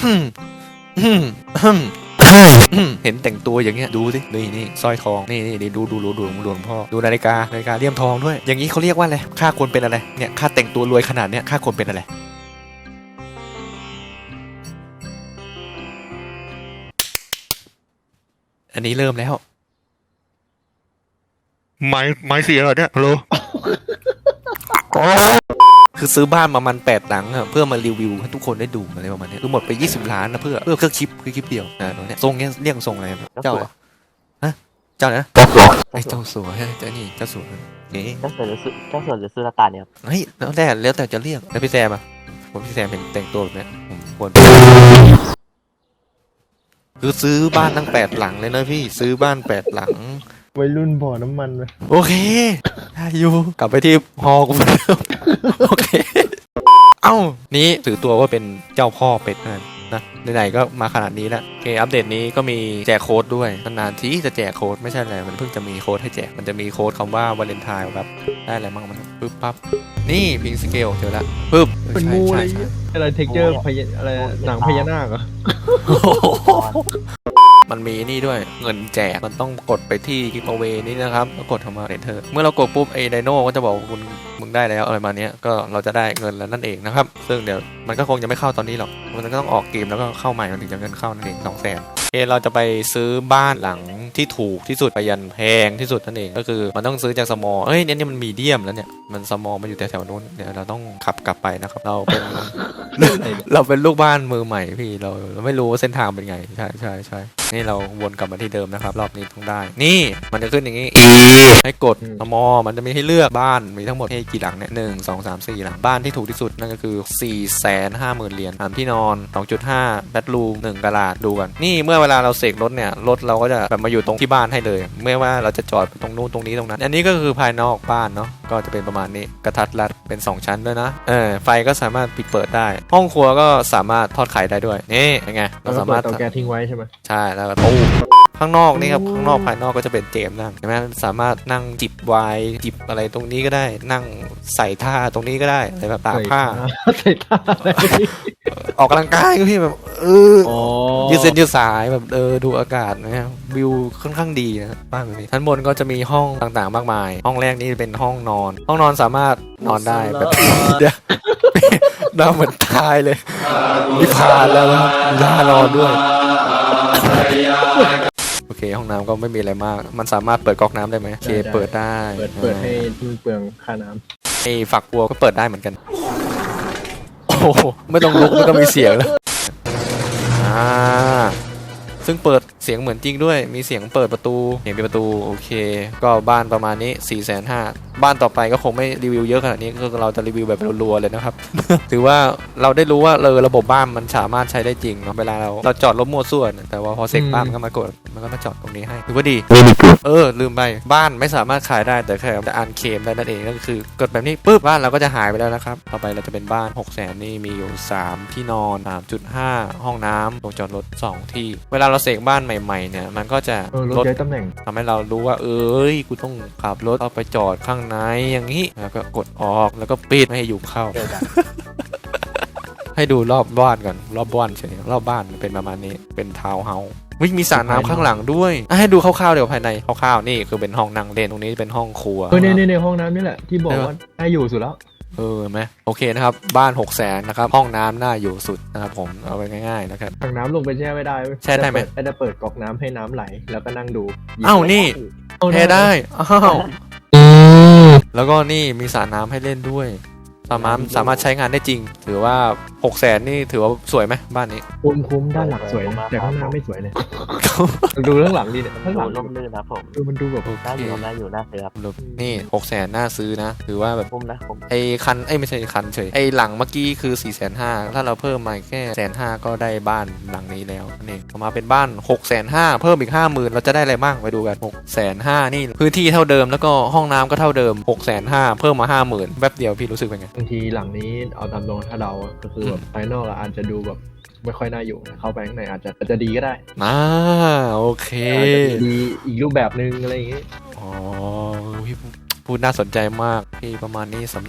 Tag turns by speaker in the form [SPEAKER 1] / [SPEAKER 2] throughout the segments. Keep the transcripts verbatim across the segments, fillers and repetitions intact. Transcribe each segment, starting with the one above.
[SPEAKER 1] เห็นแต่งตัวอย่างเงี้ยดูสินี่นี่สร้อยทองนี่นี่ดูดูดูดูหลวงพ่อดูนาฬิกานาฬิกาเลี่ยมทองด้วยอย่างนี้เขาเรียกว่าอะไรข้าควรเป็นอะไรเนี่ยข้าแต่งตัวรวยขนาดเนี้ยข้าควรเป็นอะไรอันนี้เริ่มแล้วไม้ไม้เสียเหรอเนี่ยฮัลโหลคือซื้อบ้านมามันแปดหลังอะเพื่อมารีวิวให้ทุกคนได้ดูอะไรประมาณนี้คือหมดไปยี่สิบล้านนะเพื่อเพื่อเครื่องคลิปคือคลิปเดียวนะตรงนี้ทรงเนี้ยเรียกทรงอะไรเจ้าฮะเจ้านะไอ้เจ้าสัวใช่เจ้านี่เจ้าสัวนี่
[SPEAKER 2] เจ้าสัวหรือซื้อเจ้าสัวหรือซื้อละตาเนี่ย
[SPEAKER 1] เฮ้ยแล้วแต่แล้วแต่จะเรียกแล้วพี่แซมอะผมพี่แซมเห็นแต่งตัวแบบนี้ผมควรคือซื้อบ้านตั้งแปดหลังเลยนะพี่ซื้อบ้านแปดหลัง
[SPEAKER 3] วัยรุ่นบ่อน้ำมันเลย
[SPEAKER 1] โอเคอยู่กลับไปที่ฮอกูเหมือนเดิมโอเคเอ้านี้ถือตัวว่าเป็นเจ้าพ่อเป็ดนั่นนะไหนๆก็มาขนาดนี้แล้วโอเคอัปเดตนี้ก็มีแจกโค้ดด้วยนานๆทีจะแจกโค้ดไม่ใช่อะไรมันเพิ่งจะมีโค้ดให้แจกมันจะมีโค้ดคำว่าวาเลนไทน์แบบได้อะไรบ้างมันปึ๊บปั๊บนี่พิงสเกลเจอละปึ๊บ
[SPEAKER 3] เป็นงูอะไรอะไรเทคเจอร์พญาอะไรหนังพญานาคเหรอ
[SPEAKER 1] มันมีนี่ด้วยเงินแจกมันต้องกดไปที่กิฟต์เอาเวย์นี่นะครับแล้วกดทำมาเรนเทอร์เมื่อเรากดปุ๊บไอ้ไดโน่ก็จะบอกคุณมึงได้แล้วอะไรมาเนี้ยก็เราจะได้เงินแล้วนั่นเองนะครับซึ่งเดี๋ยวมันก็คงจะไม่เข้าตอนนี้หรอกมันก็ต้องออกเกมแล้วก็เข้าใหม่มันถึงจะเงินเข้านั่นเองสองแสนโอเคเราจะไปซื้อบ้านหลังที่ถูกที่สุดไปยันแพงที่สุดนั่นเองก็คือมันต้องซื้อจากสมอลเอ้ยเนี่ยนี่มันมีเดียมแล้วเนี่ยมันสมอลมันอยู่แถวๆนู้นเดี๋ยวเราต้องขับกลับไปนะครับเราเป็น เราเป็นลูกบ้านมือใหม่พี่เราเราไม่รู้ว่าเส้นทางเป็นไงใช่ใช่ใช่นี่เราวนกลับมาที่เดิมนะครับรอบนี้ต้องได้นี่มันจะขึ้นอย่างนี้ E ให้กดสมอมันจะมีให้เลือกบ้านมีทั้งหมดให้กี่หลังเนี่ยหนึ่งสองสามสี่หลังบ้านที่ถูกที่สุดนั่นก็คือสี่แสนห้าหมื่นเหรียญสามที่นอน สองจุดห้า แบดรูมหนึ่งกะลาดดูกันนี่เมื่อเวลาเราเสกรถเนี่ยรถเราก็จะแบบมาอยู่ตรงที่บ้านให้เลยเมื่อว่าเราจะจอดตรงนู้นตรงนี้ตรงนั้นอันนี้ก็คือภายนอกบ้านเนาะก็จะเป็นประมาณนี้กระทัดรัดเป็นสองชั้นด้วยนะเออไฟก็สามารถปิดเปิดได้ห้องครัวก็สามารถทอดไข่ได้ด้วยนี่เป็นไงเราสามารถ
[SPEAKER 3] เตาแก๊สทิ้งไว้ใช่ไหม
[SPEAKER 1] ใช่แล้วก็ตู้ข้างนอกนี่ครับข้างนอกภายนอกก็จะเป็นเจมนั่งใช่ไหมสามารถนั่งจิบไวน์จิบอะไรตรงนี้ก็ได้นั่งใส่ท่าตรงนี้ก็ได้อะไรแบบตากผ้า
[SPEAKER 3] ใส่ท่า
[SPEAKER 1] ออกกำลังกายก็พี่แบบเออยืดเส้นยืดสายแบบเออดูอากาศนะครับวิวค่อนข้างดีนะบ้านแบบนี้ชั้นบนก็จะมีห้องต่างๆมากมายห้องแรกนี่เป็นห้องนอนห้องนอนสามารถนอนได้แบบเดี๋ยวน่าเหมือนตายเลยนิพพานแล้วครับน่านอนด้วยโอเคห้องน้ำก็ไม่มีอะไรมากมันสามารถเปิดก๊อกน้ำได้ไหมโอเคเปิดได้
[SPEAKER 3] เปิดเปิดให้ที่เปลืองค่าน้
[SPEAKER 1] ำไอ้ฝักบัวก็เปิดได้เหมือนกันโอ้ไม่ต้องลุกมันก็มีเสียงแล้วอ่าซึ่งเปิดเสียงเหมือนจริงด้วยมีเสียงเปิดประตูเสียงปิดประตูโอเคก็บ้านประมาณนี้ สี่แสนห้าหมื่น บ้านต่อไปก็คงไม่รีวิวเยอะขนาดนี้ก็เราจะรีวิวแบบรัวๆเลยนะครับ ถือว่าเราได้รู้ว่าเออระบบบ้านมันสามารถใช้ได้จริงเนาะเวลาเราเราจอดรถมั่วซั่วแต่ว่าพอเซ็กบ้านมันก็มากดมันก็มาจอดตรงนี้ให้ถือว่าดีเออลืมไปบ้านไม่สามารถขายได้แต่แค่จะอ่านเคลมได้นั่นเองก็คือกดแบบนี้ปุ๊บบ้านเราก็จะหายไปแล้วนะครับต่อไปเราจะเป็นบ้าน หกแสน นี่มีอยู่สามที่นอน สามจุดห้า ห้องน้ำโรงจอดรถสองที่เวลาเราเสกบ้านใหม่ๆเนี่ยมันก็จะ
[SPEAKER 3] ลดย้ายตำแหน่ง
[SPEAKER 1] ทำให้เรารู้ว่าเอ้ยกูต้องขับรถเอาไปจอดข้างในอย่างนี้แล้วก็กดออกแล้วก็ปิดไม่ให้ยุงเข้า ให้ดูรอบบ้านก่อนรอบบ้านเฉยรอบบ้านเป็นประมาณนี้เป็นทาวน์เฮาส์วิ่งมีสระน้ำข้างหลังด้วยให้ดูคร่าวๆเดี๋ยวภายในคร่าวๆนี่คือเป็นห้องนั่งเล่นตรงนี้เป็นห้องครัว
[SPEAKER 3] เออในในห้องน้ำนี่แหละที่บอกว่าได้อยู่สุดแล้ว
[SPEAKER 1] เออไหมโอเคนะครับบ้าน หกแสน นะครับห้องน้ำน่าอยู่สุดนะครับผมเอาไปง่ายๆนะครับ
[SPEAKER 3] ถังน้ำลงไปแช่ไม่ได้
[SPEAKER 1] แช่ได้ไหม
[SPEAKER 3] ไม่ได้เปิดก๊อกน้ำให้น้ำไหลแล้วก็นั่งดู
[SPEAKER 1] อ้าวนี่แช่ได้อ้าวแล้วก็นี่มีสระน้ำให้เล่นด้วยสามารถสามารถใช้งานได้จริงถือว่า หกแสน นี่ถือว่าสวยไหมบ้านนี้
[SPEAKER 3] คุ้มคุ้มด้านหลังสวยนะแต่ข้างหน้าไม่สวยเลยดูข้างหลังดีเนี่ยข้างหลัง
[SPEAKER 2] ร่มรื่นนะผม
[SPEAKER 3] ดูมันดูแบบ
[SPEAKER 2] น่าอยู่น่าอยู่น่าซื้อครับ
[SPEAKER 1] นี่ หกแสน น่าซื้อนะถือว่าแบบ
[SPEAKER 2] คุ้มนะผม
[SPEAKER 1] ไอ้คันไอ้ไม่ใช่คันเฉยไอ้หลังเมื่อกี้คือ สี่แสนห้าหมื่น ถ้าเราเพิ่มมาแค่แสนห้าก็ได้บ้านหลังนี้แล้วนี่ออกมาเป็นบ้าน หกแสนห้าหมื่น เพิ่มอีก ห้าหมื่น เราจะได้อะไรบ้างไปดูกัน หกแสนห้าหมื่น นี่พื้นที่เท่าเดิมแล้วก็ห้องน้ำก็เท่าเดิม หกแสนห้าหมื่น เพิ่มมา ห้าหมื่น แป๊บเดียวพี่รู้สึกเป็นไง
[SPEAKER 3] บางทีหลังนี้เอาตามตรงถ้าเดาก็คือแบบภายนอกอาจจะดูแบบไม่ค่อยน่าอยู่เข้าไปข้างในอาจจะอาจจะดีก็ได้
[SPEAKER 1] อ่าโอเค
[SPEAKER 3] ดีอีกรูปแบบนึงอะไรอย่างงี้
[SPEAKER 1] อ๋อพี่พูดน่าสนใจมากพี่ประมาณนี้สำหรับใคร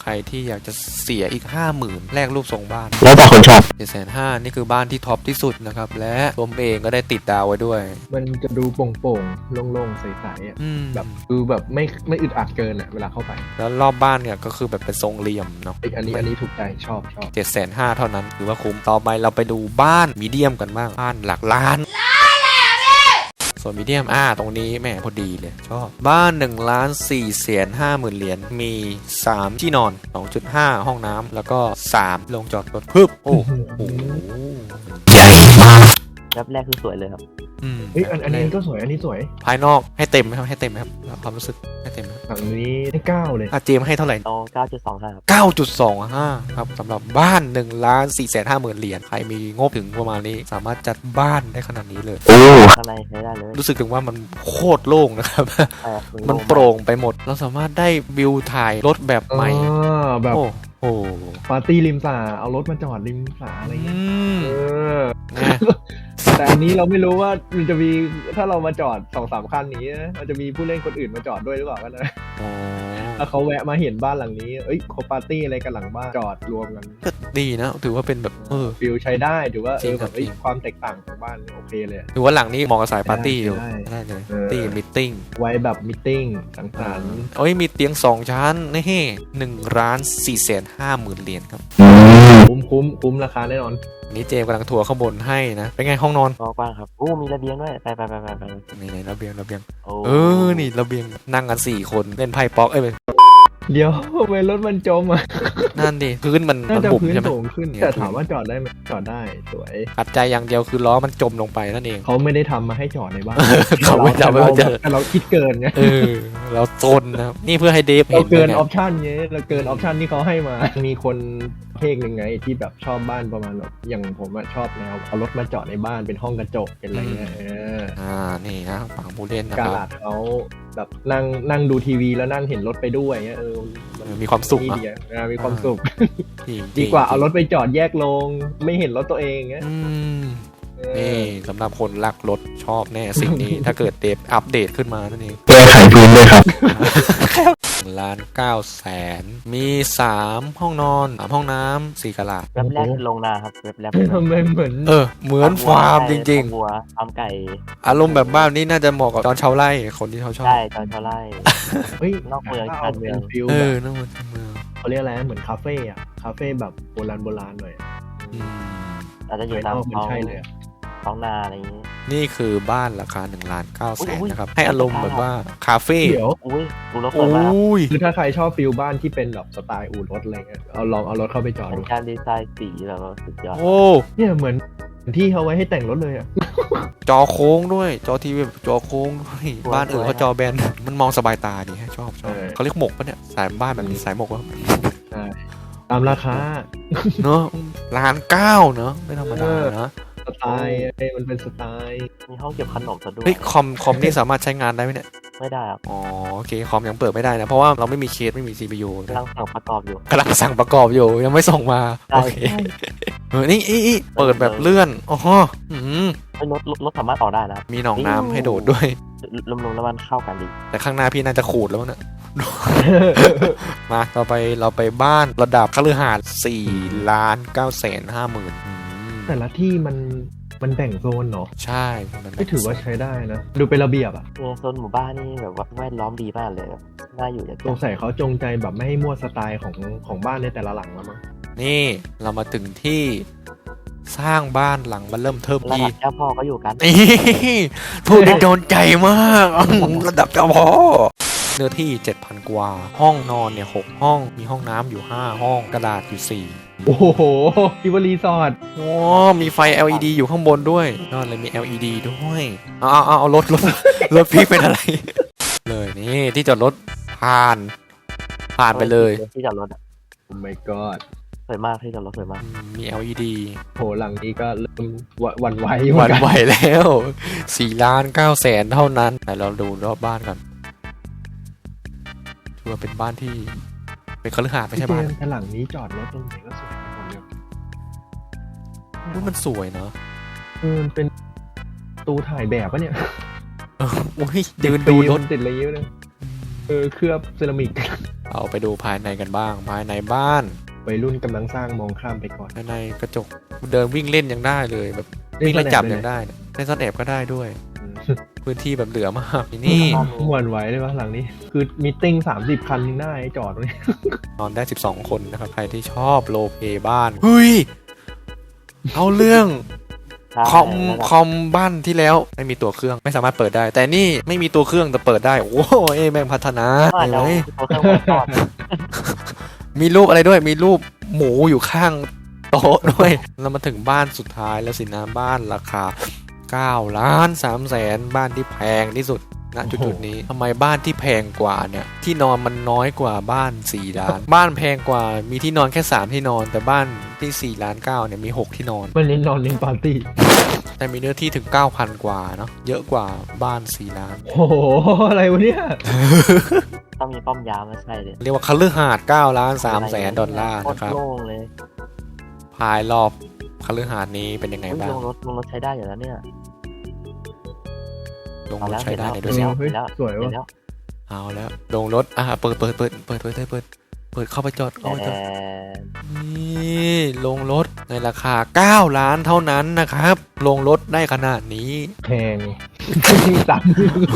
[SPEAKER 1] รที่อยากจะเสียอีกห้าหมื่นแลกรูปทรงบ้าน
[SPEAKER 2] แล้วแต่คนชอบ
[SPEAKER 1] เจ็ดแสนห้านี่คือบ้านที่ท็อปที่สุดนะครับและผมเองก็ได้ติดดาวไว้ด้วย
[SPEAKER 3] มันจะดูโปร่งๆโล่งๆใสๆอ่ะ
[SPEAKER 1] อืม
[SPEAKER 3] แบบคือแบบไม่ไม่อึดอัดเกินอ่ะเวลาเข้าไป
[SPEAKER 1] แล้วรอบบ้านเนี่ยก็คือแบบเป็นทรงเหลี่ยมเนาะ
[SPEAKER 3] ไอ้อันนี้อันนี้ถูกใจชอบชอบ
[SPEAKER 1] เจ็ดแสนห้าเท่านั้นถือว่าคุ้มต่อไปเราไปดูบ้านมีเดียมกันบ้างบ้านหลักล้านส่วนมีเดียมอ่าตรงนี้แม่พอดีเลยชอบบ้านหนึ่งล้านสี่แสนห้าหมื่นเหรียญมีสามที่นอน สองจุดห้า ห้องน้ำแล้วก็สามโรงจอดรถพึบโอ้โหใหญ่มาก
[SPEAKER 2] แวบแรกคือสวยเลยครับ
[SPEAKER 1] อืม
[SPEAKER 3] เฮ้ยอันอันนี้ก็สวยอันนี้สวย
[SPEAKER 1] ภายนอกให้เต็มไหมครับให้เต็มไหมครับความรู้สึกให้เต็มไหมครับ
[SPEAKER 3] หลังนี้ให้เก้าเลย
[SPEAKER 1] อ่ะเจมส์ให้เท่าไหร่
[SPEAKER 2] เอาเก้าจุดสองห้าครับ
[SPEAKER 1] เก้าจุดสองห้า ครับสำหรับบ้านหนึ่งล้านสี่แสนห้าหมื่นเหรียญใครมีงบถึงประมาณนี้สามารถจัดบ้านได้ขนาดนี้เลย
[SPEAKER 2] ข้างในใช้ได้เลย
[SPEAKER 1] รู้สึกถึงว่ามันโคตรโล่งนะครับ
[SPEAKER 2] ใช่ครับ
[SPEAKER 1] มันโปร่งไปหมด เราสามารถได้วิวถ่ายรถแบบใหม่
[SPEAKER 3] อ่าแบบ
[SPEAKER 1] โอ้โห
[SPEAKER 3] ปาร์ตี้ริมสระเอารถมาจอดริมสระอะไร
[SPEAKER 1] อื
[SPEAKER 3] เงี้ย
[SPEAKER 1] ม
[SPEAKER 3] เออ
[SPEAKER 1] นะ
[SPEAKER 3] แต่อันนี้เราไม่รู้ว่ามันจะมีถ้าเรามาจอดสองสามคันนี้นะมันจะมีผู้เล่นคนอื่นมาจอดด้วยหรือเปล่ากันนะ
[SPEAKER 1] อ๋อ
[SPEAKER 3] ถ้าเขาแวะมาเห็นบ้านหลังนี้เอ้ยเขาปาร์ตี้อะไรกันหลังบ้านจอดรวมกัน
[SPEAKER 1] ก็ดีนะ ถือว่าเป็นแบบเออ
[SPEAKER 3] ฟิลใช้ได้ถือว่าเอ
[SPEAKER 1] จริง
[SPEAKER 3] อ
[SPEAKER 1] ค
[SPEAKER 3] แบ
[SPEAKER 1] รับบ
[SPEAKER 3] เอ้ย
[SPEAKER 1] จริง
[SPEAKER 3] ความแตกต่างของบ้านโอเคเลย
[SPEAKER 1] ถือว่าหลังนี้เหมาะกับสายปาร์ตี้อยู่
[SPEAKER 3] ได้
[SPEAKER 1] ได้เลย
[SPEAKER 3] เออ
[SPEAKER 1] ตี้มิทติ้ง
[SPEAKER 3] ไว้แบบมิทติ้งสังสรรค์
[SPEAKER 1] โอ้ยมีเตียงสองชั้นนี่หนึ่งล้านสี่แสนห้าหมื่นเหรียญครับ
[SPEAKER 3] คุ้มคุ้มคุ้มราคาแน่นอน
[SPEAKER 1] นี่เจมส์กำลังทัวร์ข้างบนให้นะ เป็นไงห้องนอน
[SPEAKER 2] กว้างๆครับอู้มีระเบียงด้วยไปไปไปไปไป
[SPEAKER 1] นี่ในระเบียงระเบียง
[SPEAKER 2] โอ้
[SPEAKER 1] เออ นี่ระเบียงนั่งกันสี่คนเล่นไพ่ป๊อกเอ้ยไม่
[SPEAKER 3] เดี๋ยวทำไมรถมันจมอ่ะ
[SPEAKER 1] นั่นดิพื้นมัน
[SPEAKER 3] น่า
[SPEAKER 1] มัน
[SPEAKER 3] จะ
[SPEAKER 1] บุบ
[SPEAKER 3] พื้น
[SPEAKER 1] ใช่ไหม
[SPEAKER 3] สูงขึ้น
[SPEAKER 1] เนี่ย
[SPEAKER 3] แต่ถามว่าจอดได้ไหมจอดได้สวย
[SPEAKER 1] ขัดใจอย่างเดียวคือล้อมันจมลงไปนั่นเอง
[SPEAKER 3] เขาไม่ได้ทำมาให้จอดในบ้าน
[SPEAKER 1] เขาไม่ทำให้เราเจอ
[SPEAKER 3] แต่เราคิดเกินไง
[SPEAKER 1] เออ เราซนนะครับนี่เพื่อให้เดฟ
[SPEAKER 3] เรา
[SPEAKER 1] เห็น
[SPEAKER 3] เกิน
[SPEAKER 1] นะ
[SPEAKER 3] ออปชันเงี้ยเราเกินออปชันที่เขาให้มา มีคนเพลงหนึ่งไงที่แบบชอบบ้านประมาณแบบอย่างผมอะชอบแนวเอารถมาจอดในบ้านเป็นห้องกระจกเป็นอะไรเงี้ยเออ
[SPEAKER 1] อ่านี่นะฝั่งผู้เล่นนะ
[SPEAKER 3] กา
[SPEAKER 1] ครับ
[SPEAKER 3] ลาดเขาแบบนั่งนั่งดูทีวีแล้วนั่งเห็นรถไปด้วยเงี้ยเออ
[SPEAKER 1] เออมีความสุข
[SPEAKER 3] นี่
[SPEAKER 1] อะ
[SPEAKER 3] ดีอะเออมีความสุข
[SPEAKER 1] จริง
[SPEAKER 3] ดีกว่า
[SPEAKER 1] จง
[SPEAKER 3] เอารถไปจอดแยกลงไม่เห็นรถตัวเองเงี้ย
[SPEAKER 1] อืม
[SPEAKER 3] เออ
[SPEAKER 1] นี่สำหรับคนรักรถชอบแน่สิ่งนี้ ถ้าเกิดเดฟอัปเดตขึ้นมานั่นเอง
[SPEAKER 3] แก้ไขพื้นด้วยครับ
[SPEAKER 1] ล้านเก้าแสนมีสามห้องนอนสามห้องน้ำสี่กะลา
[SPEAKER 2] แวบแรกคือลงนาครับแวบแรก
[SPEAKER 3] ทำไมเหมือน
[SPEAKER 1] เออ เหมือนฟาร์มจริง
[SPEAKER 2] ๆวัวฟาร์มไก่
[SPEAKER 1] ๆ อารมณ์แบบบ้านนี้น่าจะเหมาะกับตอนชาวไร่คนที่เขาชอบ
[SPEAKER 2] ใช่ตอนเท่าไร
[SPEAKER 3] เฮ้ย
[SPEAKER 2] นอกเมือง
[SPEAKER 3] ถ้า
[SPEAKER 2] ชา
[SPEAKER 3] เอา
[SPEAKER 2] นเมื
[SPEAKER 3] เป็
[SPEAKER 2] อง
[SPEAKER 3] นฟิล
[SPEAKER 1] เอ
[SPEAKER 3] แบ
[SPEAKER 1] อบ นั่นมันเมือง
[SPEAKER 3] เขาเรียกอะไรนะเหมือนคาเฟ่อะคาเฟ่แบบโบราณโบราณหน่อย
[SPEAKER 1] อืม
[SPEAKER 2] อาจจะอยู่
[SPEAKER 3] ภายน
[SPEAKER 2] ตาม
[SPEAKER 3] อกมัน
[SPEAKER 2] ท้อง
[SPEAKER 3] ใช่เลยอะ
[SPEAKER 2] ท้องนาอะไรอย่างนี้
[SPEAKER 1] นี่คือบ้านราคาหนึ่งล้านเก้าแสน
[SPEAKER 2] อุ๊ย
[SPEAKER 1] นะครับ ให้อารมณ์แบบว่าคาเฟ่
[SPEAKER 3] เดี๋ยว
[SPEAKER 2] อุ้ยดูรถ
[SPEAKER 1] โอ
[SPEAKER 2] เปิดมาครับ
[SPEAKER 1] ้ย
[SPEAKER 3] คือถ้าใครชอบฟิลบ้านที่เป็นแบบสไตล์อู่รถอะไรเงี้ยเอาลองเอารถเข้าไปจอด
[SPEAKER 2] เป็น
[SPEAKER 3] ดู
[SPEAKER 2] การดีไซน์สีแบบว่าสุดยอด
[SPEAKER 1] โอ้
[SPEAKER 3] เนี่ยเหมือนที่เขาไว้ให้แต่งรถเลยอะ
[SPEAKER 1] จอโค้งด้วย จอทีวีแบบจอโค้งด้วยบ้านอื่นเขาจอแบนมันมองสบายตาดีให้ชอบชอบเขาเรียกหมกปะเนี่ยสายบ้านแบบนี้สายหมกวะ
[SPEAKER 3] ใช่ตามราคา
[SPEAKER 1] เนอะล้านเก้าเนอะไม่ธรรมดานะ
[SPEAKER 3] สไตล์ไอ้มันเป็นสไตล์
[SPEAKER 2] มีห้องเก็บขนมซะด้วย
[SPEAKER 1] เฮ้ยคอมคอมนี่สามารถใช้งานได้ไหมเนี่ย
[SPEAKER 2] ไม่ได้ครับ
[SPEAKER 1] อ๋อโอเคคอมยังเปิดไม่ได้นะ เพราะว่าเราไม่มีเคสไม่มี ซี พี ยู
[SPEAKER 2] กำลังสั่งประกอบอยู่
[SPEAKER 1] กำลังสั่งประกอบอยู่ยังไม่ส่งมา
[SPEAKER 2] ใช่
[SPEAKER 1] โอเคเออนี่อีอีเปิดแบบเลื่อนอ๋ออืม
[SPEAKER 2] เฮ้ยรถรถรถสามารถออกได้นะครับ
[SPEAKER 1] มีหนองน้ำให้โดดด้วย
[SPEAKER 2] รวมๆแล้วมันเข้ากันดี
[SPEAKER 1] แต่ข้างหน้าพี่น่าจะขูดแล้วนะ มาต่อไปเราไปบ้านระดับคฤหาสน์สี่ล้านเก้าแสนห้าหมื่น
[SPEAKER 3] แต่ละที่มันมันแบ่งโซนเนาะ
[SPEAKER 1] ใช่มัน
[SPEAKER 3] ไม่ถือว่าใช้ได้นะ ดูเป็นระเบียบอะ
[SPEAKER 2] ในโซนหมู่บ้านนี่แบบว่าแวดล้อมดีมากเลยแบบน่าอยู่อย่าง
[SPEAKER 3] สงสัยเขาจงใจแบบไม่ให้มั่วสไตล์ของของบ้านในแต่ละหลังแล้วมั้ง
[SPEAKER 1] นี่เรามาถึงที่สร้างบ้านหลังมันเริ่มเทิม
[SPEAKER 2] ระ
[SPEAKER 1] อี
[SPEAKER 2] ดับเจ้าพ่อก็อยู่กัน
[SPEAKER 1] นี่พูดได้โดนใจมากระดับเจ้าพ่อเนื้อที่ เจ็ดพัน กว่า ห้องนอนเนี่ยหกห้องมีห้องน้ำอยู่ห้าห้องกระดาษอยู่สี่
[SPEAKER 3] โอ้โหคิวรีสอร์ท
[SPEAKER 1] โอ้มีไฟ แอล อี ดี อยู่ข้างบนด้วยนอนเลยมี แอล อี ดี ด้วยเอาเอาเอาเอารถรถรถพี่เป็นอะไร เลยนี่ที่จอดรถผ่าน ผ่านไปเลย
[SPEAKER 2] ที่จอดรถอะ
[SPEAKER 3] โอ้ my god
[SPEAKER 2] สวยมากที่จอดรถสวยมาก
[SPEAKER 1] มี แอล อี ดี
[SPEAKER 3] โหหลังนี้ก็เริ่มหวั่นหวันไหว
[SPEAKER 1] หวันไหวแล้วสี่ล้านเก้าแสนเท่านั้นแต่เราดูรอบบ้านก่อนถือว่าเป็นบ้านที่เป็นคฤหาสน์ไม่
[SPEAKER 3] พี่
[SPEAKER 1] ใช่
[SPEAKER 3] เจ
[SPEAKER 1] บ้าน
[SPEAKER 3] มส์แต่หลังนี้จอดรถตรงไหนก็สวยไปหมดเลย
[SPEAKER 1] ดูมันสวยเนาะ
[SPEAKER 3] เออมันเป็นตูถ่ายแบบปะเนี่ย
[SPEAKER 1] เออโอ้ยยืนดูรถ
[SPEAKER 3] ติดอะไรเยอะเลย
[SPEAKER 1] อ
[SPEAKER 3] เออเคลือบเซรามิก
[SPEAKER 1] เอาไปดูภายในกันบ้าง ภายในบ้าน
[SPEAKER 3] วัยรุ่นกำลังสร้างมองข้ามไปก่อน
[SPEAKER 1] ภายในกระจกเดินวิ่งเล่นยังได้เลยแบบวิ่งไล่จับยังได้นะเล่นซ่อนแอบก็ได้ด้วย พื้นที่แบบเหลือมากนี่
[SPEAKER 3] หวนไหวเลยปะหลังนี้ คือมีติ้งสามสิบคันยังได้จอดตรงนี้
[SPEAKER 1] นอนได้สิบสองคนนะครับ ใครที่ชอบโลเพบ้านเฮ้ยเอาเรื่อง คอมคอมบ้านที่แล้วไม่มีตัวเครื่องไม่สามารถเปิดได้ แต่นี่ไม่มีตัวเครื่องแต่เปิดได้ โอ้โหเอแม่งพัฒนา
[SPEAKER 2] ว่า
[SPEAKER 1] เห็น
[SPEAKER 2] จะ
[SPEAKER 1] ไหม
[SPEAKER 2] เอาเครื่องไว้ก่อน
[SPEAKER 1] มีรูปอะไรด้วย มีรูปหมูอยู่ข้างโต๊ะด้วย เรามาถึงบ้านสุดท้ายแล้วสินะบ้านราคาเก้าล้านสามแสนบ้านที่แพงที่สุดณจุดๆนี้ทำไมบ้านที่แพงกว่าเนี่ยที่นอนมันน้อยกว่าบ้านสี่ล้าน บ้านแพงกว่ามีที่นอนแค่สามที่นอน แต่บ้านที่สี่ล้านเก้าเนี่ยมีหกที่นอน
[SPEAKER 3] มันเน้นนอนเน้นปาร์ตี้
[SPEAKER 1] แต่มีเนื้อที่ถึง เก้าพัน กว่าเนาะเยอะกว่าบ้านสี่ล้าน
[SPEAKER 3] โอ้โหอะไรวะเนี่ย
[SPEAKER 2] ต้องมีป้อมยามไม่ใช่เลย
[SPEAKER 1] เรียกว่าคฤหาสน์เก้าล้านสามแสนดอลลาร์
[SPEAKER 2] โคต
[SPEAKER 1] นะครับ
[SPEAKER 2] โล่งเลย
[SPEAKER 1] ภายรอบคฤหาสน์นี้เป็นยังไง
[SPEAKER 2] อุ๊ย
[SPEAKER 1] บ้าง
[SPEAKER 2] ลงรถลงรถใช้ได้อยู่แล้วเนี่ย
[SPEAKER 1] ลง
[SPEAKER 2] เอา
[SPEAKER 1] รถ
[SPEAKER 2] แล้ว
[SPEAKER 1] ใช้ได้
[SPEAKER 2] เห็น
[SPEAKER 1] ด้วย
[SPEAKER 2] แล้
[SPEAKER 1] สิ
[SPEAKER 2] ว
[SPEAKER 3] เฮ้ย
[SPEAKER 2] แล้ว
[SPEAKER 3] สวย
[SPEAKER 2] เห็น
[SPEAKER 3] ว่ะ
[SPEAKER 2] แล้ว
[SPEAKER 1] เอาแล้วลงรถอ่ะเปิดเปิดเปิดเปิดเปิดเปิดเปิดเปิดเข้าไปจอดเข้าไปจอด
[SPEAKER 2] แต่
[SPEAKER 1] นี่ลงรถในราคาเก้าล้านเท่านั้นนะครับ ลงรถได้ขนาดนี้
[SPEAKER 3] แพงสาม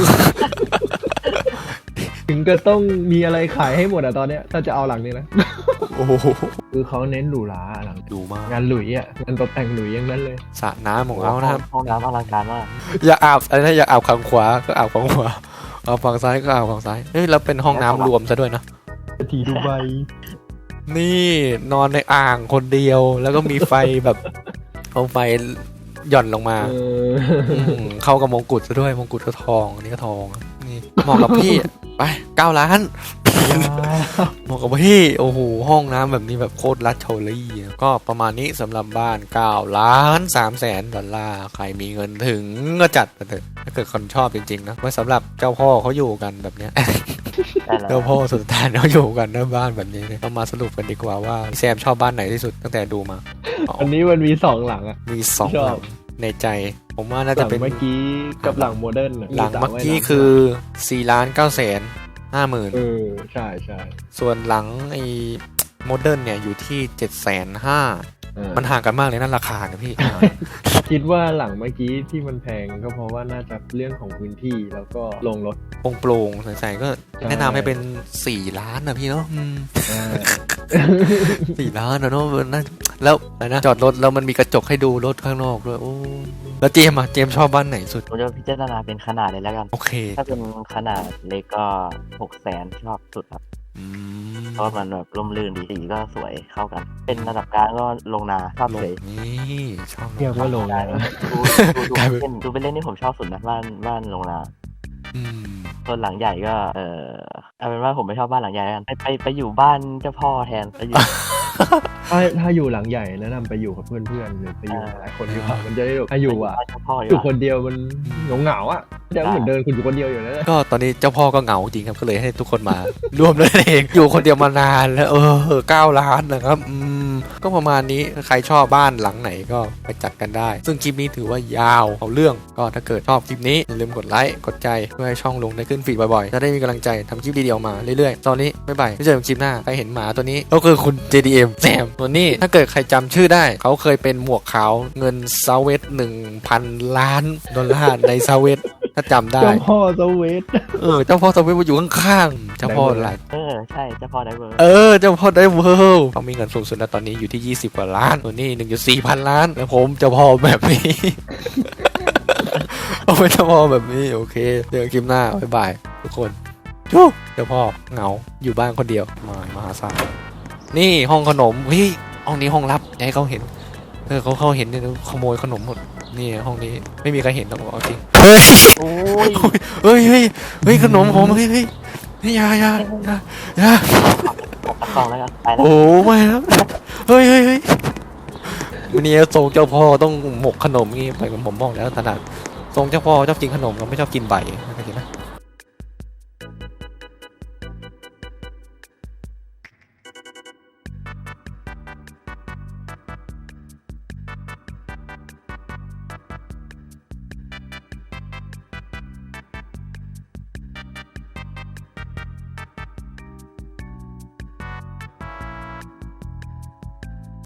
[SPEAKER 3] ถึงก็ต้องมีอะไรขายให้หมดอะตอนเนี้ยถ้าจะเอาหลังนี้นะ
[SPEAKER 1] โอ้โห
[SPEAKER 3] คือเขาเน้นหรูหราหลัง
[SPEAKER 1] ดูมาก
[SPEAKER 3] งานหลุยอ่ะงานตกแต่งหลุยอย่างนั้นเลย
[SPEAKER 1] สระน้ำของเขานะครับ
[SPEAKER 2] ห้องน้ำอลังการมาก
[SPEAKER 1] อย่าอาบอะไรนะอย่าอาบข้างขวาก็อาบข้างขวาเอาฝั่งซ้ายก็อาบฝั่งซ้ายเฮ้ยแล้วเป็นห้องน้ำรวมซะด้วยนะ
[SPEAKER 3] ทีดูใบ
[SPEAKER 1] นี่นอนในอ่างคนเดียวแล้วก็มีไฟแบบเอาไฟหย่อนลงมา
[SPEAKER 3] เออ
[SPEAKER 1] มเข้ากับมงกุฎซะด้วยมงกุฎก็ทองอันนี่ก็ทองนี่เหมาะกับพี่ไปเก้าล้านเหมาะกับพี่โอ้โหห้องน้ำแบบนี้แบบโคตรลัดเชอรี่ก็ประมาณนี้สำหรับบ้านเก้าล้านสามแสนดอลลาร์ใครมีเงินถึงก็จัดไปเถอะถ้าเกิดคนชอบจริงๆนะไว้สำหรับเจ้าพ่อเขาอยู่กันแบบเนี้ย
[SPEAKER 2] ได้แล้ว
[SPEAKER 1] เจ้าพ่อสุดท้ายเขาอยู่กันในบ้านแบบนี้เนี่ยเรามาสรุปกันดีกว่าว่าแซมชอบบ้านไหนที่สุดตั้งแต่ดูมาอ๋อ
[SPEAKER 3] อันนี้มันมีสองหลังอ่ะ
[SPEAKER 1] มีสอง
[SPEAKER 3] ช
[SPEAKER 1] ห
[SPEAKER 3] อบ
[SPEAKER 1] ลังในใจ ผมว่าน่า
[SPEAKER 3] ห
[SPEAKER 1] จะ
[SPEAKER 3] ลัง
[SPEAKER 1] เป็น
[SPEAKER 3] เมื่อกี้กับหลังโมเดิร์นอะ
[SPEAKER 1] หลังเมื่อกี้
[SPEAKER 3] สระว่ายน้ำ
[SPEAKER 1] คือสี่ล้านเก้าแสนห้าหมื่น
[SPEAKER 3] เออใช่ใช่
[SPEAKER 1] ส่วนหลังไอ้โมเดิร์นเนี่ยอยู่ที่เจ็ดแสนห้า
[SPEAKER 3] เออ
[SPEAKER 1] มันห่างกันมากเลยนะราคาเนี่ยพี่
[SPEAKER 3] คิดว่าหลังเมื่อกี้ที่มันแพงก็เพราะว่าน่าจะเรื่องของพื้นที่แล้วก็ลงรถ
[SPEAKER 1] โปร่งๆใสๆก็แนะนำให้เป็นสี่ล้านนะพี่เนาะอืม
[SPEAKER 3] อ่า
[SPEAKER 1] สี่ล้านนะเนาะน่าแล้วอะไรนะจอดรถแล้วมันมีกระจกให้ดูรถข้างนอกด้วยโอ้แล้วเจมส์อะเจมส์ชอบบ้านไหนสุด
[SPEAKER 2] ผมจะพิจารณาเป็นขนาดเลยแล้วกัน
[SPEAKER 1] โอเค
[SPEAKER 2] ถ้าเป็นขนาดเล็กก็หกแสนชอบสุดครับ
[SPEAKER 1] อืม
[SPEAKER 2] เพราะมันแบบร่มรื่นดีสีก็สวยเข้ากัน เป็นระดับกลางก็ลงนาชอบ
[SPEAKER 1] ลง
[SPEAKER 2] เลย
[SPEAKER 1] นี่ชอบ
[SPEAKER 3] เรียกว่าลง
[SPEAKER 2] ได้
[SPEAKER 3] นะ
[SPEAKER 2] ดูดูดู
[SPEAKER 1] กลาย
[SPEAKER 2] ไป
[SPEAKER 1] เป็น
[SPEAKER 2] เล่นดูไปเล่นนี่ผมชอบสุดนะบ้านบ้านลงนา
[SPEAKER 1] อืม
[SPEAKER 2] ส่วนหลังใหญ่ก็เออเอาเป็นว่าผมไม่ชอบบ้านหลังใหญ่แล้วกันไปไปไปอยู่บ้านเจ้าพ่อแทนไปอยู่
[SPEAKER 3] ถ้าถ้าอยู่หลังใหญ่แนะนำไปอยู่กับเพื่อนๆหรือไปอยู่กับหลายคนดีกว่ามันจะได้แบบถ้าอยู่อ่ะ
[SPEAKER 2] บ้านเจ้าพ่อ
[SPEAKER 3] อ
[SPEAKER 2] อยู่ ยู่
[SPEAKER 3] คนเดียวมันเหงาๆอ่ะจะเหมือนเดินคุณอยู่คนเดียวอยู่แล้ว
[SPEAKER 1] ก็ตอนนี้เจ้าพ่อก็เหงาจริงครับก็เลยให้ทุกคนมา ร่วมด้วยเองอยู่คนเดียวมานานแล้วเออเก้าล้านนะครับอืมก็ประมาณนี้ถ้าใครชอบบ้านหลังไหนก็ไปจัดกันได้ ซึ่งคลิปนี้ถือว่ายาวเอาเรื่องก็ถ้าเกิดชอบคลิปนี้อย่าลืมกดไลค์กดใจเพื่อให้ช่องลงได้ขึ้นฟีดบ่อยๆจะได้มีกำลังใจทำคลิปดีๆออกมาเรื่อยๆตอนนี้บ๊ายบายไม่เจอกันคลิปหน้าใครเห็นหมาตัวนี้ก็คือคุณ เจ ดี เอ็ม แซมตัวนี้ถ้าเกิดใครจำชื่อได้เขาเคยเป็นหมวกขาวเงินซาเวตหนึ่งพันล้านดอลลาร์ในซาเวตถ้าจำได้
[SPEAKER 3] เจ้าพ่อสวีท
[SPEAKER 1] เออเจ้าพ่อซาเวตมาอยู่ข้างๆเจ้าพ่อหลาย
[SPEAKER 2] เออใช่เจ้าพ่อได้เบอร์
[SPEAKER 1] เออเจ้าพ่อได้เวิลด์เขามีเงินสูงสุดแล้วตอนนี้อยู่ที่ยี่สิบกว่าล้านตัวนี้หนึ่งจุดสี่พันล้านแล้วผมเจ้าพ่อแบบนี้ เอาไปเจ้าพ่อแบบนี้โอเคเจอกันคลิปหน้าบ๊ายบายทุกคนจู้เจ้าพ่อเหงาอยู่บ้านคนเดียวมามหาศาลนี่ห้องขนมเฮ้ยห้องนี้ห้องลับอย่าให้เขาเห็นเออเขาเขาเห็นเนี่ยขโมยขนมหมดนี่ห้องนี้ไม่มีใครเห็นหรอกเอาจริงเฮ้ย
[SPEAKER 2] โอ้ย
[SPEAKER 1] เฮ้ยเฮ้ยเฮ้ยขนมผมเฮ้ยเฮ้ยเฮ้ยอยาอยาอยาอยา
[SPEAKER 2] ตัดกล่องแล้วกันไปแล้ว
[SPEAKER 1] โอ้ไม่ครับเฮ้ยเฮ้ยเฮ้ยวันนี้ทรงเจ้าพ่อต้องหมกขนมงี้ไปกับผมบอกแล้วถนัดทรงเจ้าพ่อชอบกินขนมก็ไม่ชอบกินใบเ